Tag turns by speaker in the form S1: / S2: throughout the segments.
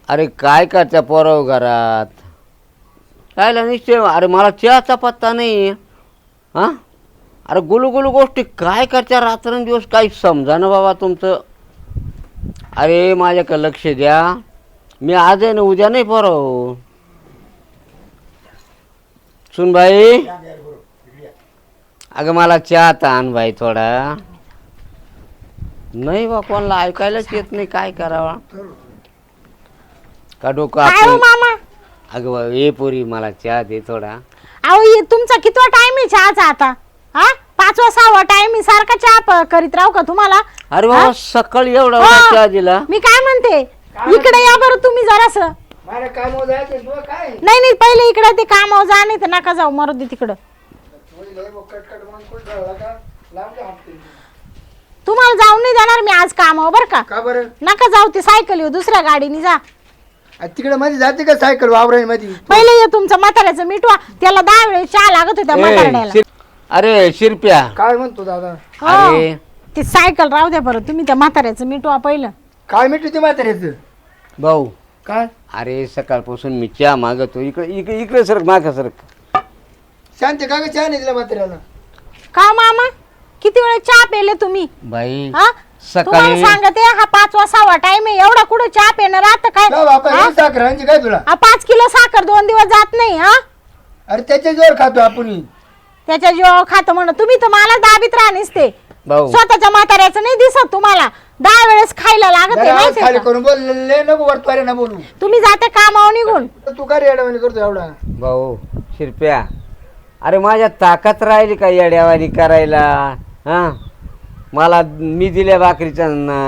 S1: अरे काय करत्या पोराव घरात कायला निश्चय. अरे मला चहाचा पत्ता नाही. हां अरे गुलू गुलू गोष्टी काय करत्या रात्रंदिवस काही समजा ना बाबा तुमचं. अरे माझ्याकडे लक्ष द्या. मी आज आहे ना उद्या नाही पोराव. सुन भाई अगं मला चहा आण भाई थोडा. नाही बा कोणाला ऐकायलाच येत नाही काय करावा का डोकं
S2: काय हो
S1: आपण.
S2: मामा?
S1: अगं बा ये पोरी मला चहा दे थोडा.
S2: अहो तुमचा कितवा टाइम आहे चहाचा आता? हा 5वा 6वा टाइम आहे. सारखा चहा करीत राहू का तुम्हाला?
S1: अरे बाबा सकाळी एवढा
S2: हो.
S1: चहा दिला.
S2: मी काय म्हणते इकडे या बरं तुम्ही जरासं.
S3: मला काम जायचं तुला काय
S2: नाही नाही पहिले इकडे ते कामावर जा नाही तर नका जाऊ मरू दे तिकडं.
S3: कटकट मन कोण ठेवला का लांब हापते
S2: तुम्हाला जाऊन नाही देणार मी आज कामावर बरं का.
S3: का बरं
S2: नका जाऊ ते सायकल येऊ दुसऱ्या गाडीने जा.
S3: तिकडे मध्ये जाते का सायकल वावराई मध्ये
S2: पहिले ये तुमचं म्हाताऱ्याचं मिठवा. त्याला 10 वेळेस चहा लागत होत्या म्हाताऱ्याला.
S1: अरे शिरप्या
S3: काय म्हणतो दादा
S2: हो.
S1: अरे
S2: ते सायकल राहू द्या बरं. तुम्ही त्या म्हाताऱ्याचं मिठवा पहिलं.
S3: काय मिठू ते म्हाताऱ्याचं
S1: भाऊ
S3: काय
S1: अरे सकाळपासून मी चहा मागतो. इकडे इकडे इकडे सरक माग सरक.
S3: शांत का ग चहा नाही दिला म्हाताऱ्याला
S2: का मामा किती वेळ चहा पेले तुम्ही?
S1: बाई
S2: हा तुम्हाला
S1: सकाळी
S2: सांगते हा 5वा 6वा टाइम आहे. एवढा कुठं चहा पेणार आता काय?
S3: जाऊ बापा
S2: हा?
S3: साखर आणची काय तुला
S2: 5 किलो साखर 2 दिवस जात नाही. हा
S3: अरे त्याच्या जोर खातो आपण
S2: त्याच्या जीवावर खातं म्हणून तुम्ही तर मला दाबीत राहणेच ते.
S1: भाऊ
S2: स्वतःच्या म्हाताऱ्याचं नाही दिसत तुम्हाला. 10 वेळेस खायला लागत आहे
S3: जरा आवाज
S2: माहितीये
S3: खाली
S2: का?
S3: करून बोल लय नको वरतवारे ना बोलू
S2: तुम्ही जाते कामावर निघून.
S3: तू काय रेडवाणी करतो एवढा
S1: भाऊ शिरप्या अरे माझ्या ताकद राहिली का येड्यावानी करायला. हां मला मी दिल्या भाकरीचा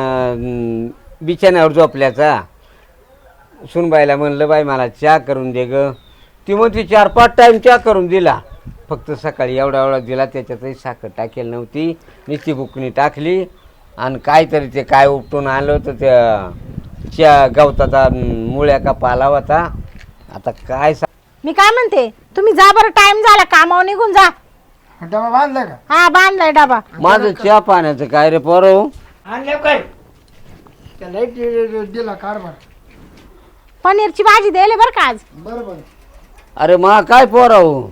S1: बिछाण्यावर झोपल्याचा. सुनबाईला म्हणलं बाई मला चहा करून दे ग. ती म्हणती 4-5 टाईम चहा करून दिला. फक्त सकाळी एवढा एवढा दिला त्याच्यातही साखर टाकेल नव्हती. नुसती बुकणी टाकली आणि काहीतरी ते काय उपटून आणलं होतं त्या गवताचा मुळ्या का पाला होता. आता काय
S2: मी काय म्हणते तुम्ही जा बरं. टाइम झाला कामावर निघून जा.
S3: डबा बांधला का
S2: हा बांधलाय डबा.
S1: माझं चहा पाण्याचं काय रे पोरं.
S3: आणल्या काय त्या लाईट दिला कारभार
S2: पनीरची भाजी द्यायला बरं का आज.
S3: बरोबर
S1: अरे मा काय पोरं.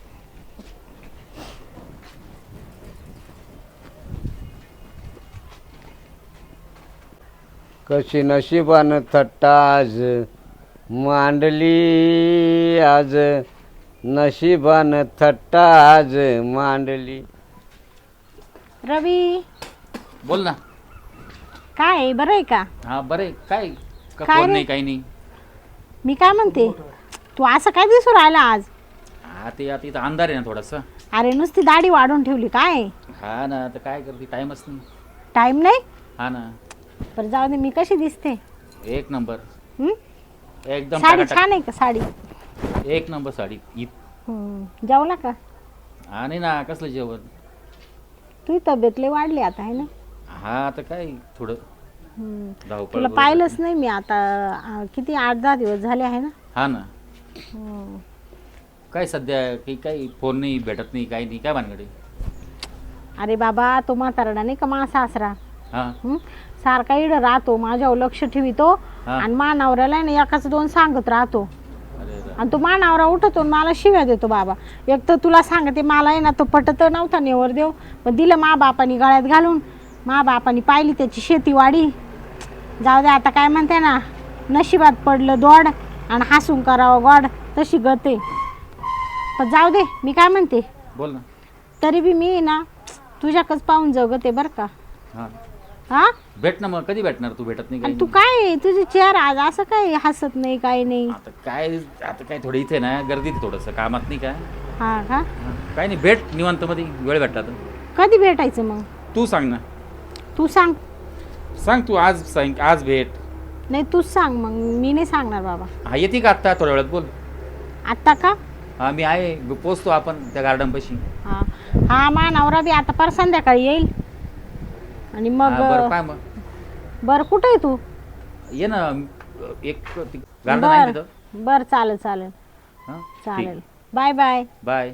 S1: कशी नशिबानं थट्टा आज मांडली. आज नशिबानं थट्टा आज मांडली.
S2: रवी
S4: बोल ना.
S2: काय आहे, बरं आहे का?
S4: हा बरे काय का
S2: काय
S4: फोन
S2: रे?
S4: नाही काही नाही.
S2: मी काय म्हणते तू असं काय दिसू राहिला आज?
S4: हा ते आता इथं अंधार आहे ना थोडासा.
S2: अरे नुसती दाढी वाढून ठेवली काय?
S4: हा ना आता काय करते टाइमच नाही.
S2: टाइम नाही.
S4: हा ना
S2: बरं जाऊ दे. मी कशी दिसते?
S4: एक नंबर
S2: हं?
S4: एकदम
S2: साडी
S4: टाकाटाक.
S2: छान आहे का साडी?
S4: एक नंबर साडी
S2: जेवला का?
S4: हा नाही ना कसलं जेवण.
S2: तुझी तब्येत लय वाढली आता आहे ना.
S4: हा आता काय थोडं
S2: हं.
S4: धावपळ
S2: तुला
S4: वगैरे.
S2: पाहिलंच नाही मी आता. किती 8-10 दिवस झाले आहे ना.
S4: हा ना
S2: हं.
S4: काय सध्या काही फोन नाही भेटत नाही काही नाही काय भानगडे.
S2: अरे बाबा तो म्हातारडा नाही का मा सासरा
S4: हा
S2: हं? सारखा इड राहतो माझ्यावर लक्ष ठेवितो
S4: हा.
S2: आणि मानावऱ्याला ना एकाच 2 सांगत राहतो.
S4: अरे अरे.
S2: आणि तो मानावरा उठतो आणि मला शिव्या देतो बाबा. एक तर तुला सांगते मला आहे ना तो पटत नव्हता नेवर देव पण दिलं मा बापानी गळ्यात घालून. मा बापानी पाहिली त्याची शेतीवाडी. जाऊ दे आता काय म्हणते ना नशिबात पडलं दोड आणि हसून करावं गोड तशी गते. पण जाऊ दे. मी काय म्हणते
S4: बोल ना.
S2: तरी बी मी ना तुझ्याकच पाहून जगते बरं का.
S4: हा
S2: हा
S4: भेट ना मग कधी भेटणार तू भेटत नाही काही
S2: आणि तू
S4: नाही.
S2: काय तुझी चेहरा आज असं काय हसत नाही काही नाही.
S4: आता काय थोडं इथे ना गर्दीत थोडंसं कामात नाही का.
S2: हा का?
S4: हा, काही नाही भेट निवांत मध्ये वेळ भेटला तर.
S2: कधी भेटायचं मग?
S4: तू सांग ना.
S2: तू सांग.
S4: सांग तू आज सांग आज भेट.
S2: नाही तूच सांग मग. मी नाही सांगणार बाबा.
S4: हा येते का आत्ता थोड्या वेळात बोल.
S2: आत्ता का?
S4: हा मी आहे पोचतो आपण त्या गार्डन पाशी.
S2: हा हा मा नवरा बी आता पर संध्याकाळी येईल आणि मग
S4: बरं काय मग
S2: बर कुठे आहे तू?
S4: ये ना एक गार्डन आहे
S2: बर
S4: तिथं.
S2: बर चालेल चालेल
S4: हा
S2: चालेल. Bye bye.
S4: बाय.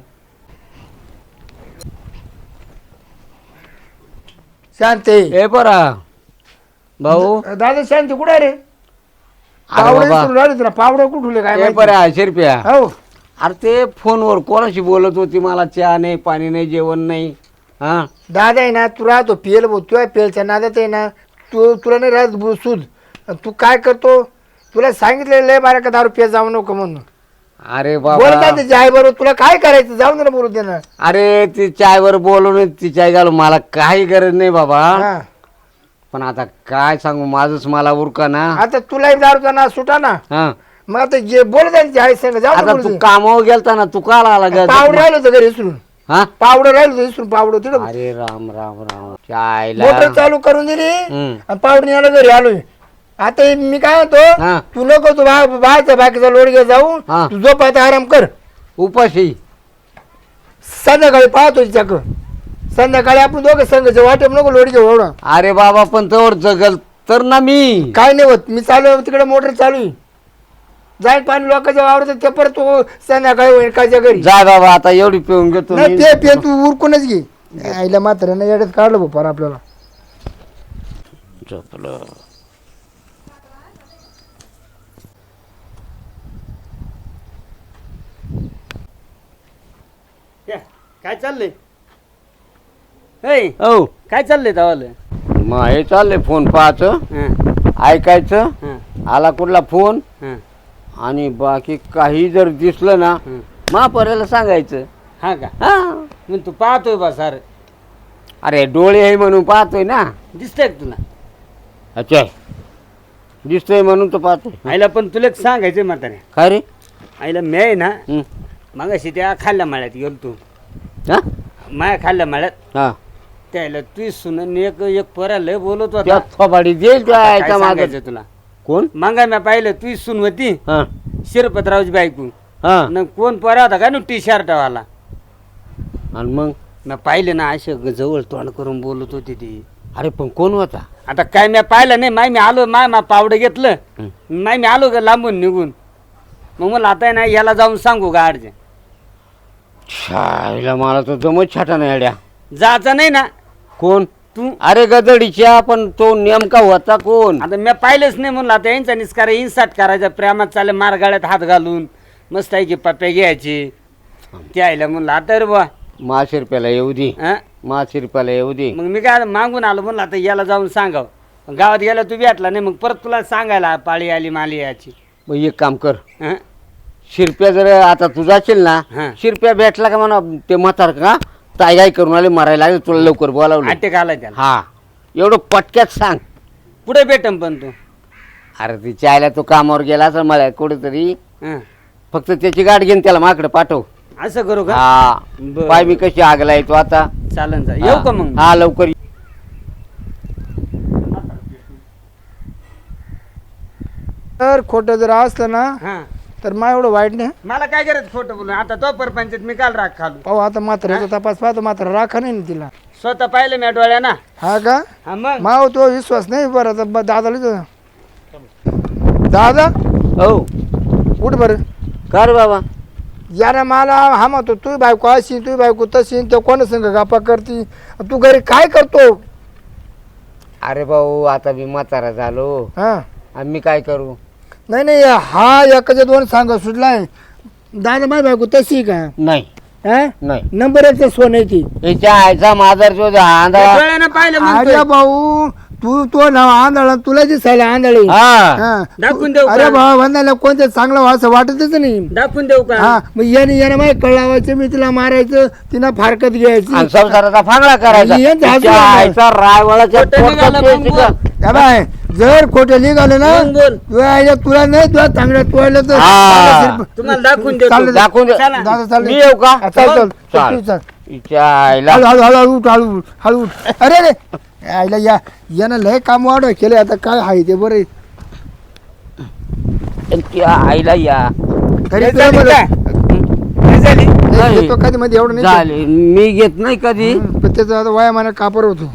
S3: शांत आहे.
S1: ए परा भाऊ
S3: दादा शांत कुठे रे पावडं
S1: बाबा.
S3: विसरून राहिले तुला पावडं कुठले काय
S1: ए
S3: माहिती?
S1: बरं 80 रुपया
S3: हो
S1: अरे ते फोनवर कोणाशी बोलत होती मला चहा नाही पाणी नाही जेवण नाही हा
S3: दादा आहे ना तू राहतो पेल भाऊ तुला पेलच्या नादात आहे ना तुला नाही राहत सूद तू काय करतो तुला सांगितलं लय बारा का दारू पे जाऊ नको म्हणून
S1: अरे
S3: बोलता
S1: बाबा
S3: त्याची आई बरोबर तुला काय करायचं जाऊन दे ना बोलू दे ना
S1: अरे ती चायवर बोलवून ती चाय घालू मला काही गरज नाही बाबा
S3: हा.
S1: पण आता काय सांगू माझच मला उरका ना
S3: आता तुलाही दारूचा ना सुटा ना
S1: हा
S3: मग आता जे बोलत आहे आई संग जाऊ
S1: आता तू कामावर गेलता ना तू काल आला ग
S3: पावडं राहिलं होतं घरी विसरून
S1: हा
S3: पावडं राहिलं होतं विसरून पावडं तिथं
S1: अरे राम राम राम चायला
S3: मोटर चालू करून दिली
S1: हम्म.
S3: आणि पावडं यायला घरी आलोय आता हे मी काय
S1: हा.
S3: म्हणतो तू नको तू बाहेरचा बाकीचा लोड घे जाऊ
S1: हा.
S3: तू झोप आता आराम कर
S1: उपाशी
S3: संध्याकाळी पाहतो तिच्याक संध्याकाळी आपण दोघं संघ वाटेप नको लोड घेऊ एवढा
S1: अरे बाबा पण तोवर जगल तर ना मी
S3: काय नाही होत मी चालू आहे तिकडे मोटर चालू आहे जाईल पाणी लोकांच्या वावरत ते परत तू संध्याकाळी होईल काच्या घरी
S1: जा बाबा आता एवढी पिऊन घेतो
S3: नाही
S1: मी.
S3: ते पे तू उरकूनच घे आईला मात्र नाही येड्यात काढलं भाऊ फार आपल्याला
S1: झोपलं.
S5: काय चाललंय हे
S1: हो
S5: काय चाललंय तवालं
S1: मग हे चाललंय फोन पाहायचं ऐकायचं आला कुठला फोन आणि बाकी काही जर दिसलं ना महापर्याला सांगायचं
S5: हा का
S1: हा
S5: मग तू पाहतोय बा सार
S1: अरे डोळे आहे म्हणून पाहतोय ना
S5: दिसतंय का तुला
S1: अच्छा दिसतोय म्हणून तो पाहतोय
S5: आईला पण तुला एक सांगायचंय म्हातारे
S1: काय रे
S5: आईला मी आहे ना
S1: हं.
S5: मगाशी त्या खाल्ल्या माळ्यात गेलो तू
S1: हा
S5: माया खाल्ल्या माळ्यात
S1: हा
S5: त्याला तू सुन एक एक पोरा लय बोलत
S1: त्या
S5: होता
S1: थोबाडी देईल
S5: काय
S1: काय मागे
S5: सांगायचं तुला
S1: कोण
S5: मागा मी पाहिलं तू सून होती
S1: हा
S5: शिरपतरावची बायको
S1: हा
S5: न कोण पोरा होता का नु टी शर्ट वाला
S1: आणि मग
S5: मी पाहिले ना असे जवळ तोंड करून बोलत होती ती
S1: अरे पण कोण होता
S5: आता काय मी पाहिलं नाही माय मी आलो माय पावडं घेतलं माय मी आलो का लांबून निघून मग मला आता आहे ना याला जाऊन सांगू का आडचे
S1: शाळेला मला तर जमत छाटा नाही अड्या
S5: जायचं नाही ना
S1: कोण
S5: तू
S1: अरे गदडीच्या पण तो नेमका होता कोण
S5: आता मी पाहिलंच नाही म्हणलं आता यांचा निस्कार इन्साट करायचा प्रेमात चाले मारगाळ्यात हात घालून मस्त आहे की पप्प्या घ्यायची ते आयला म्हणलं आता रे बा
S1: महाशिरप्याला येऊ दे
S5: हं?
S1: महाशिरप्याला येऊ दे
S5: मग मी काय मागून आलो म्हणलं आता याला जाऊन सांगावं गावात गेला तू भेटला नाही मग परत तुला सांगायला पाळी आली माली याची
S1: मग एक काम कर
S5: हं?
S1: शिरप्या जर आता तू जाशील ना
S5: हा.
S1: शिरप्या भेटला का म्हणा ते म्हातार का तायगाई करून आले मारायला लागले तुला लवकर बोलावलं
S5: अटॅक आला त्याला
S1: हा एवढं पटक्यात सांग
S5: पुढे भेटम पण तू
S1: अरे ती चायला तो कामावर गेला असं मला कुठेतरी
S5: हं.
S1: फक्त त्याची गाठ घेऊन त्याला माकडे पाठव
S5: असं करू का
S1: हा
S5: बरं.
S1: पाय मी कशी आगला येतो आता
S5: चालन जा येऊ का मग
S1: हा लवकर ये.
S3: तर खोटं जर असलं ना
S5: हा
S3: तर मा एवढं वाईट नाही
S5: मला काय करायचं खोटं बोलून आता तो परपंचात मी काल राग खालू
S3: पाहू आता म्हाताऱ्याचा तपास पाहतो मात्र राखा नाही ना तिला
S5: स्वतः पाहिलं मी डोळ्या ना
S3: हा का
S5: हा मग
S3: माव तो विश्वास नाही बरं आता दादाला विचार. दादा
S1: हो
S3: उठ बरं
S1: कर बाबा
S3: यानं मला हा म्हणतो तू बायको अशी तू बायको तशी तो कोण संग गप्पा करती तू घरी काय करतो
S1: अरे भाऊ आता मी म्हातारा झालो
S3: हा
S1: आणि मी काय करू
S3: नाही नाही हा एकाच्या दोन सांग सुटलाय दादा माझी बायको तशी का
S1: नाही
S3: हा
S1: नाही
S3: नंबर एकचं सोन आहे ती
S1: याच्या आईचा मादर जो आंधळा
S5: डोळ्यानं पाहिलं
S3: अरे
S5: मग
S3: भाऊ तू तो नाव आंधळा तुला दिसायला आंधळी
S1: हा
S5: दाखवून देऊ
S3: अरे
S5: का
S3: भाऊ वंदाला कोणतं चांगलं व्हा असं वाटतच नाही
S5: दाखवून देऊ का
S3: हा मग याने माहिती कळावायचं मी तिला मारायचं तिला फारकत घ्यायची
S1: आणि संसाराचा फांगडा करायचा
S3: यांचं हसू
S1: तिच्या
S3: नका.
S1: आईचा रायवळाच्या
S5: खोटं
S1: पोटात
S5: निघालं
S1: ते
S5: मग
S1: शिका.
S5: बोल.
S3: या बाय जर खोटं निघालं ना
S5: मग बोल.
S3: तुला नाही तुला चांगलं तोडलं तर
S1: हा.
S5: तुम्हाला दाखवून देतो
S3: चालेल.
S1: दाखवून दे.
S5: चला.
S3: दादा चाल
S1: मी येऊ का?
S3: चल चल
S1: चाल.
S3: तू चल
S1: तिच्या आईला
S3: हळू हळू हळू उठ हळू उठ, हळू उठ अरे रे आईला यानं लय काम वाढ केले आता काय आहे ते बरं
S1: तिच्या आईला या
S3: तरी
S5: हे
S3: तुला
S5: झाली
S3: बरं.
S5: काय? हे झाली?
S1: नाही.
S3: देतो कधी मध्ये एवढं नाही
S1: झाले मी घेत नाही कधी
S3: पण त्याचा आता वयामाना कापर होतो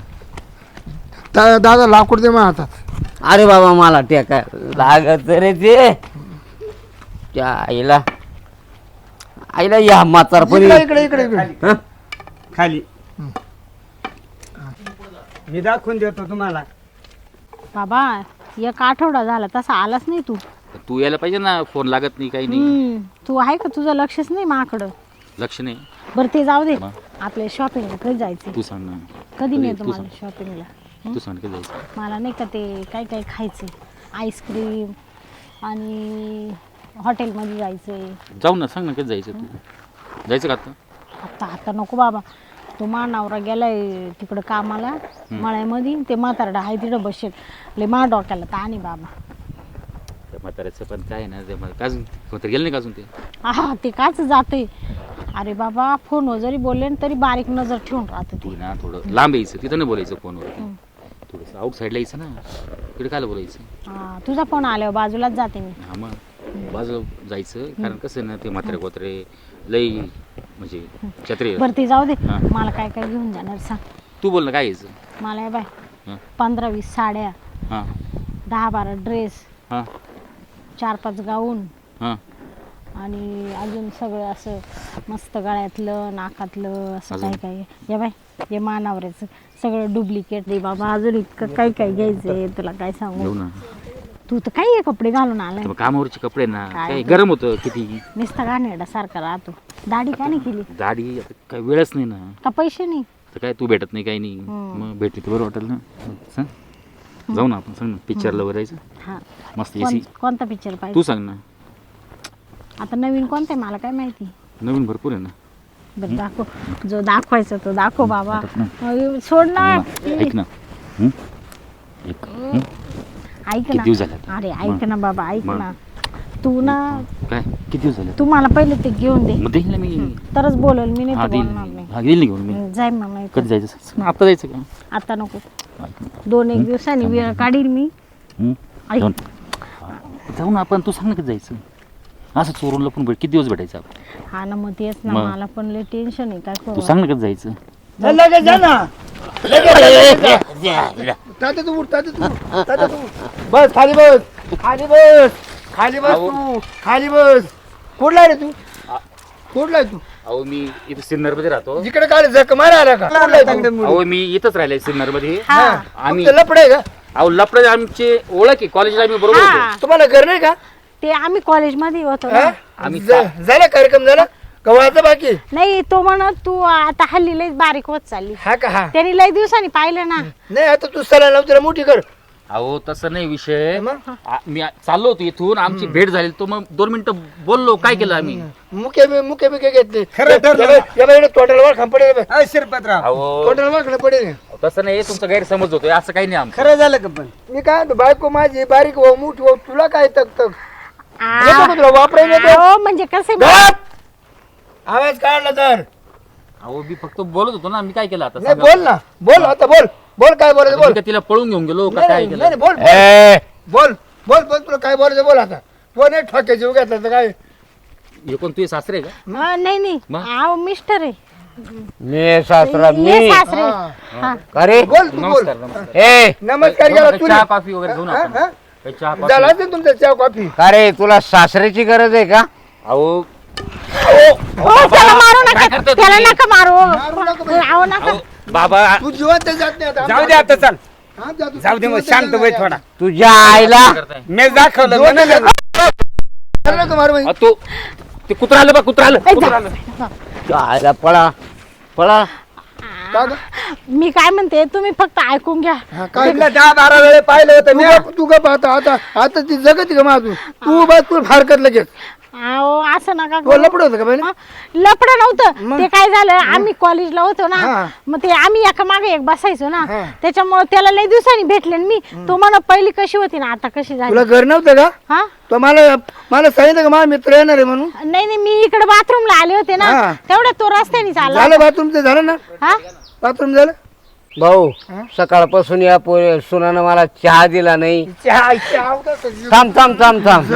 S3: दादा लाकूड दे मग हातात
S1: अरे बाबा मला टेका लागत रे ते त्या आईला आईला या म्हातारपणी
S3: इकडे इकडे इकडे
S1: हं?
S5: खाली मी दाखवून देतो तुम्हाला
S2: बाबा एक आठवडा झाला तसा आलाच नाही तू.
S4: तू यायला पाहिजे ना, फोन लागत नाही काही नाही.
S2: तू आहे का, तुझं लक्षच नाही माझ्याकडं.
S4: लक्ष नाही.
S2: बरं ते जाऊ दे,
S4: मग?
S2: आपल्या शॉपिंगला कधी जायचं?
S4: तू सांग ना.
S2: कधी
S4: तू
S2: नेतो मला
S4: सांग.
S2: शॉपिंगला?
S4: तू सांग कधी जायचं.
S2: मला नाही का ते काय काय खायचंय, आईस्क्रीम आणि हॉटेलमध्ये जायचंय.
S4: जाऊ ना, सांग ना कधी जायचं. तू जायचं का आता?
S2: आता आता नको बाबा, तो नवरा गेलाय तिकडं कामाला मळ्यामध्ये, ते म्हातारडा आहे तिकडं बसेल. लय मा डोक्याला ताण आहे बाबा.
S4: त्या म्हाताऱ्याचं पण काय ना, ते अजून कोणतरी गेलं नाही का अजून ते?
S2: हा ते काच जाते. अरे बाबा फोनवर जरी बोलले ना तरी बारीक नजर ठेवून राहते
S4: तू
S2: ती.
S4: ना थोडं लांब यायचं, तिथं नाही बोलायचं फोनवर. थोडंसं आउट साईडला यायचं ना, तिकडे काय बोलायचं.
S2: हा, तुझा फोन आल्यावर बाजूलाच जाते मी.
S4: हा मग बाजूला जायचं, कारण कसं ना ते म्हातारे कोत्रे लई म्हणजे छत्री.
S2: बरं ते जाऊ दे,
S4: हा.
S2: मला काय काय घेऊन जाणार सांग.
S4: तू बोल ना काय घ्यायचं.
S2: मला हे बाय
S4: हां
S2: 15-20 साड्या,
S4: हां
S2: 10-12 ड्रेस,
S4: हां
S2: 4-5 गाऊन
S4: हां
S2: आणि अजून सगळं असं मस्त गळ्यातलं नाकातलं असं
S4: अजून?
S2: काय काय. ये बाय हे मानावऱ्याचं सगळं डुप्लिकेट रे बाबा. अजून इतकं काय काय घ्यायचंय तुला काय
S4: घेऊ
S2: सांगू.
S4: ना.
S2: तू तर काही हे कपडे घालून आलाय,
S4: तर मग कामावरचे कपडे ना,
S2: काय
S4: काय
S2: ते?
S4: गरम होतं किती.
S2: नुसता गाणेरडा सारखा राहतो. दाढी का नाही केली?
S4: दाढी आता काय वेळच नाही ना.
S2: का पैसे नाही?
S4: तर काय तू भेटत नाही काही नाही. मग भेटली तर बरं वाटेल ना. सांग जाऊ ना आपण, सांग ना पिक्चरला वगैरे जायचं
S2: हा
S4: मस्त एसी.
S2: कोणता पिक्चर पाहिजे?
S4: तू सांग ना.
S2: आता नवीन कोणता आहे मला काय माहिती.
S4: नवीन भरपूर आहे ना.
S2: बरं दाखव, जो दाखवायचा तो दाखव बाबा. सोड ना.
S4: ऐक ना. एक
S2: ऐक
S4: किती
S2: ना.
S4: दिवस झाले आता?
S2: अरे ऐक ना बाबा, ऐक
S4: मग?
S2: ना. तू ना
S4: काय किती दिवस झाले?
S2: तू मला पहिले ते घेऊन दे,
S4: मग देईल ना मी.
S2: तरच बोलल मी, नाही
S4: हा
S2: तर
S4: देईल
S2: बोलणार नाही.
S4: हा देईल ना घेऊन मी.
S2: जाय मग नाही तर.
S4: कधी जायचं सांग ना, आता जायचं का?
S2: आता नको,
S4: ऐक ना.
S2: 2-1 दिवसांनी वेळ काढील मी.
S4: हं?
S2: ऐक.
S4: जाऊ ना आपण, तू सांग ना कधी जायचं. असं चोरून लपून किती दिवस भेटायचं आपण.
S2: हा ना मग तेच ना,
S4: मग?
S2: मला पण लय टेन्शन आहे काय
S4: तू
S2: करू.
S4: सांग ना कधी जायचं.
S3: लगेच जा ना. तात्या तू उठ, तात्या तू उठ, तात्या तू उठ. बस खाली बस, खाली बस, खाली बस तू, खाली बस. कुठला रे तू? कुठला आहे तू?
S4: अहो मी इथं सिन्नर मध्ये राहतो.
S3: जिकडे काय जख मारा आला का? कुठला आहे तू?
S4: अहो मी इथंच राहिलोय सिन्नर मध्ये.
S2: हा.
S4: आम्ही
S3: तुमचं लफडं आहे का?
S4: अहो लपडे आमचे ओळख आहे, कॉलेजला आम्ही बरोबर होतो.
S2: हा,
S3: तुम्हाला घर नाही का?
S2: ते आम्ही कॉलेजमध्ये होतो
S3: हा?
S2: ना.
S4: आम्ही
S3: झाला कार्यक्रम झाला कवाचा बाकी?
S2: नाही तो म्हणत तू आता हल्ली लय बारीक होत चालली.
S3: हा का? हा
S2: त्यांनी लय दिवसांनी पाहिलं ना.
S3: नाही आता तू सला लाव तिला मोठी कर.
S4: अहो तसं नाही विषय.
S3: मग?
S4: मी चाललो होतो इथून, आमची भेट झाली, तो मग 2 मिनिटं बोललो. काय केलं आम्ही?
S3: मुके बिके घेतले.
S5: खरं ठरलं.
S3: या बाई तोंडाला वर खांब पडेल.
S5: शिरपतराव
S4: अहो
S3: तोंडाला वर खांब पडेल.
S4: तसं नाही, तुमचा गैरसमज होतोय, असं काही नाही आमचं.
S5: खरं झालं का पण?
S3: मी काय म्हणतो बायको माझी बारीक हो मोठी हो, तुला काय तक तक
S2: आ,
S3: येतो का तुला वापरायला येतो?
S2: अहो, म्हणजे कसं
S3: गप! आवाज काढला तर
S4: अहो मी फक्त बोलत होतो ना, मी काय केलं आता
S3: नाही
S4: सांगा.
S3: बोल ना, बोल आता बोल बोल काय बोलायचं
S4: मी
S3: बोल.
S4: का तिला पळून घेऊन गेलो का
S3: नाही,
S4: काय
S3: नाही,
S4: केलं?
S3: नाही, बोल बोल बोल बोल तुला काय बोलायचं बोल आता. तो नाही ठोके जीव घेतला तर काय.
S4: हे कोण तुझे सासरे आहे का?
S2: नाही नाही,
S4: मग?
S2: अहो मिस्टर आहे.
S1: मी सासरा
S2: ये
S1: मी
S2: सासरे.
S3: हा.
S2: हा.
S1: अरे
S3: बोल तू बोल.
S4: नमस्कार नमस्कार.
S1: ए
S3: नमस्कार
S4: जाऊ
S3: केला
S4: ना,
S3: तुला.
S4: चहा कॉफी वगैरे घेऊ ना
S3: हा,
S4: आपण.
S3: हा?
S4: काही चहा
S3: झाला
S4: कॉफी.
S3: असेल तुमचा चहा कॉफी.
S1: का रे तुला सासऱ्याची गरज आहे का?
S4: अहो
S2: हो त्याला मारू
S4: काय
S2: नका,
S4: करता
S2: त्याला
S4: तुम्ही?
S2: नका मारू.
S3: मारू नका बाई.
S2: अहो नका.
S4: बाबा
S3: तू जिवंत जात नाही आता.
S5: जाऊ दे आता, चाल
S3: हा, जा तू.
S5: जाऊ दे, मग
S3: जिवंत
S5: शांत
S3: जात
S5: बाई
S3: नाही
S5: थोडा.
S1: तुझ्या आईला
S4: काय करताय?
S5: मी दाखवलं
S3: जिवंत
S5: म्हणून.
S3: जात नाही. चाललं का मारू बाई?
S4: अहो, तो ते कुत्रा आलं बा, कुत्रा आलं,
S2: ए,
S4: कुत्रा
S2: जा.
S4: आलं.
S1: तुझ्या आईला पळा पळा.
S3: का ग?
S2: मी काय म्हणते तुम्ही फक्त ऐकून घ्या.
S3: हा, काय
S5: तिला 10-12 वेळे पाहिलं होतं मी.
S3: तू गप आता आता आता ती जगत का माझून तू बस तू फारकत लगेच.
S2: अहो असं नका
S3: तो
S2: करू.
S3: लपड होतं का पहिले?
S2: लपड नव्हतं ते. काय झालं, आम्ही कॉलेजला होतो ना,
S3: हा.
S2: मग ते आम्ही एका मागे एक बसायचो ना,
S3: हा.
S2: त्याच्यामुळे त्याला लय दिवसांनी भेटले ना मी. तो म्हणा पहिली कशी होती ना आता कशी झाली.
S3: तुला घर नव्हतं का?
S2: हा
S3: तो मला सांगितलं का माझा मित्र येणार आहे म्हणून.
S2: नाही नाही, मी इकडे बाथरूमला आले होते ना,
S3: हा.
S2: तेवढ्या तो रस्त्याने चालला.
S3: झालं बाथरूमचं झालं ना?
S2: हा
S3: बाथरूम झालं.
S1: भाऊ सकाळपासून या सुनानं मला चहा दिला नाही. थांब थांब थांब थांब.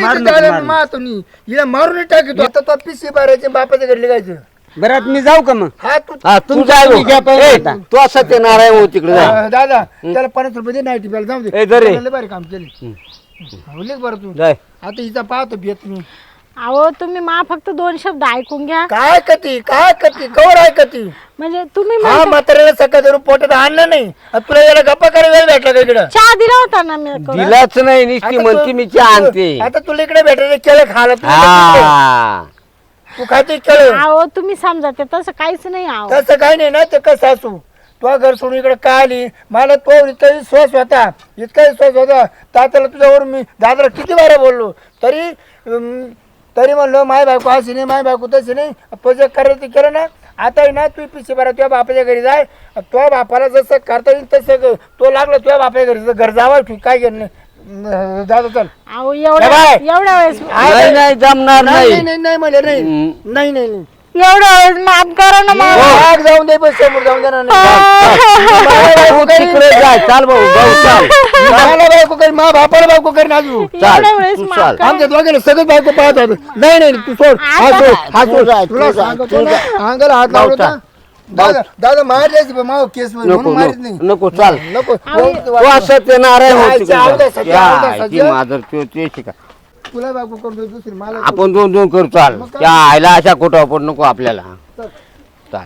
S3: हिला मारून टाकतो आता तो पिशी बारायचे बापाच्या घडले गायचं.
S5: बरं आता मी जाऊ का मग?
S3: हा तू
S1: हा तू जाय भाऊ. ए, तू असं ते नारायण भाऊ तिकडे जाय.
S3: दादा त्याला 50 रुपये दे नाईटी प्यायला जाऊ दे.
S1: ए, दे रे.
S3: लय भारी काम केले. बरं तू
S1: जाय.
S3: आता हिचा पाहतो भेट मी.
S2: अहो तुम्ही मा फक्त 2 शब्द ऐकून घ्या.
S3: काय कती कवर आहे कती
S2: म्हणजे तुम्ही
S3: हा
S2: म्हणता-
S3: म्हाताऱ्याला सकाळ धरून पोटात आणलं नाही आणि तुला याला गप्पा करायला वेळ भेटला का इकडं
S2: चहा दिला होता ना मी करून.
S1: दिलाच नाही नुसती
S3: आता
S1: म्हणती
S3: तू-
S1: मी चहा आणते.
S3: आता तुला इकडे भेटायचं केलं खाला
S1: हा
S3: तू खाते केलं
S2: अहो तुम्ही समजा ते तसं काहीच नाही. अहो
S3: तसं काही नाही ना ते कसं असू तो घर सोडून इकडे काय आली मला तो इतका विश्वास होता तात्याला तुझ्यावर मी दादाला किती बारा बोललो तरी म्हणलो माय बायको अशी नाही माय बायको तशी नाही प्रोजेक्ट करायचं केलं ना. आता आहे ना तू पिशी बरा तुझ्या बापाच्या घरी जाय तुझ्या बापाला जसं करता येईल तसं तो लागला तुझ्या बापाच्या घरी घर जावा तू काय केलं नाही दादा चल
S2: अहो
S3: ए बाय.
S2: एवढ्या वेळेस
S1: नाही नाही जमणार
S3: नाही
S1: नाही.
S3: नाही नाही म्हणले नाही
S2: एवढ्या वेळेस माफ करा ना मला.
S3: आग जाऊन दे पण समोर जाऊन देणार नाही
S1: तू तिकडे जाय चाल भाऊ भाऊ चाल
S3: मला बायको करी मा बापाला बायको करी नाजू
S2: एवढ्या वेळेस
S1: तू
S2: माफ
S1: चाल.
S2: करा.
S3: आमच्या दोघांना सगळं बायको पाहत होत नाही तू सोड हा सोड तुला सांगतो ना, अंगाला हात लावला होता. दादा मार द्यायची पण माव केस
S1: नको
S3: मारित नाही
S1: नको चाल
S3: नको
S1: तू असं ते नारायण होती
S3: जायचं, आवडं, सध्या आवडं,
S1: का?
S3: सध्या.
S1: माझं ते शिका
S3: तुला बायको करतो दुसरी मला
S1: आपण 2-2 करू चाल त्या आईला अशा कुठं पण नको आपल्याला चाल.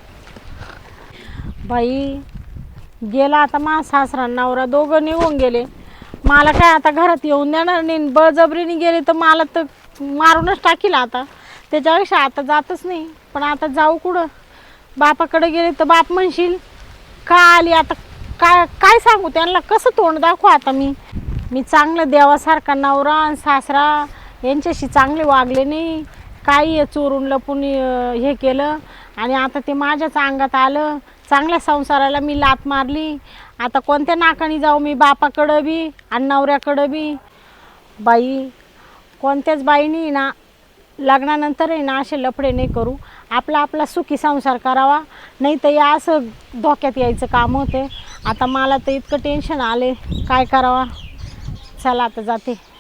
S2: बाई गेला आता मा सासरा नवरा दोघं निघून गेले. मला काय आता घरात येऊन देणार नाही. बळजबरीने गेले तर मला तर मारूनच टाकील आता. त्याच्यापेक्षा आता जातच नाही. पण आता जाऊ कुठं? बापाकडे गेले तर बाप म्हणशील का आली आता. काय सांगू त्यांना, कसं तोंड दाखवू आता मी चांगलं देवासारखा नवरा आणि सासरा यांच्याशी चांगले वागले नाही. काही चोरून लपून हे केलं आणि आता ते माझ्याच अंगात आलं. चांगल्या संसाराला मी लात मारली. आता कोणत्या नाकाने जाऊ मी बापाकडं बी आणि नवऱ्याकडं बी. बाई कोणत्याच बाईनी ना लग्नानंतर आहे ना असे लफडे नाही करू. आपला सुखी संसार करावा. नाही तर या असं धोक्यात यायचं काम होते. आता मला तर इतकं टेन्शन आले काय करावा. चला आता जाते.